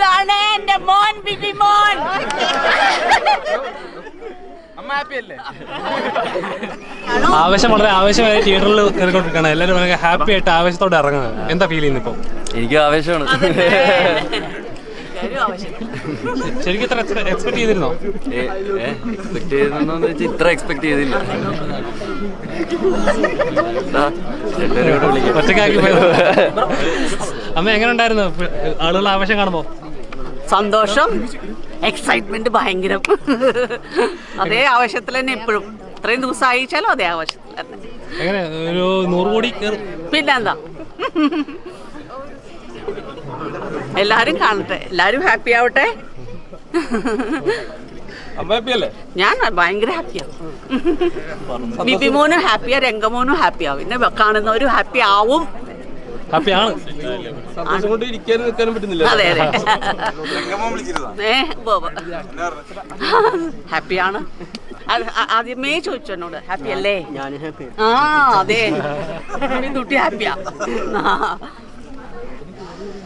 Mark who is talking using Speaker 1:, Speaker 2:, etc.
Speaker 1: ഇതാണ് എന്റെ മോൻ ബിബി മോൻ.
Speaker 2: ആവേശം വളരെ ആവേശമായി തിയേറ്ററിൽ കയറിക്കൊണ്ടിരിക്കുകയാണ്. എല്ലാവരും ഭയങ്കര ഹാപ്പി ആയിട്ട് ആവേശത്തോടെ ഇറങ്ങുന്നത്. എന്താ ഫീൽ ചെയ്യുന്നത് ഇപ്പോൾ?
Speaker 3: എനിക്ക് ആവേശമാണ്.
Speaker 2: ശരിക്കും ഇത്ര എക്സ്പെക്ട് ചെയ്തിരുന്നോ?
Speaker 3: എക്സ്പെക്ട് ചെയ്തെന്ന് വെച്ചാൽ ഇത്ര എക്സ്പെക്ട് ചെയ്തില്ല.
Speaker 2: ഒറ്റക്കാക്കി അമ്മ എങ്ങനെ ഉണ്ടായിരുന്നു ആളുകൾ ആവേശം കാണുമ്പോ?
Speaker 1: സന്തോഷം, എക്സൈറ്റ്മെന്റ് ഭയങ്കരം. അതേ ആവശ്യത്തിൽ തന്നെ ഇപ്പോഴും ഇത്രയും ദിവസം അയച്ചാലും അതേ ആവശ്യത്തിൽ തന്നെ.
Speaker 2: എങ്ങനെ ഒരു 100 കോടി
Speaker 1: പിന്നെന്താ, എല്ലാരും കാണട്ടെ, എല്ലാരും ഹാപ്പി ആവട്ടെ. ഞാൻ ഭയങ്കര ഹാപ്പിയാണ്. ബിബിമോനും ഹാപ്പിയാ, രംഗമോനും ഹാപ്പിയാവും, പിന്നെ കാണുന്നവരും ഹാപ്പി ആവും.
Speaker 2: ഹാപ്പിയാണ്.
Speaker 1: അതെ അതെ, ഹാപ്പിയാണ്. ആദ്യമേ ചോദിച്ചു എന്നോട് ഹാപ്പി അല്ലേ? ആ അതെ, കുട്ടി ഹാപ്പിയാ.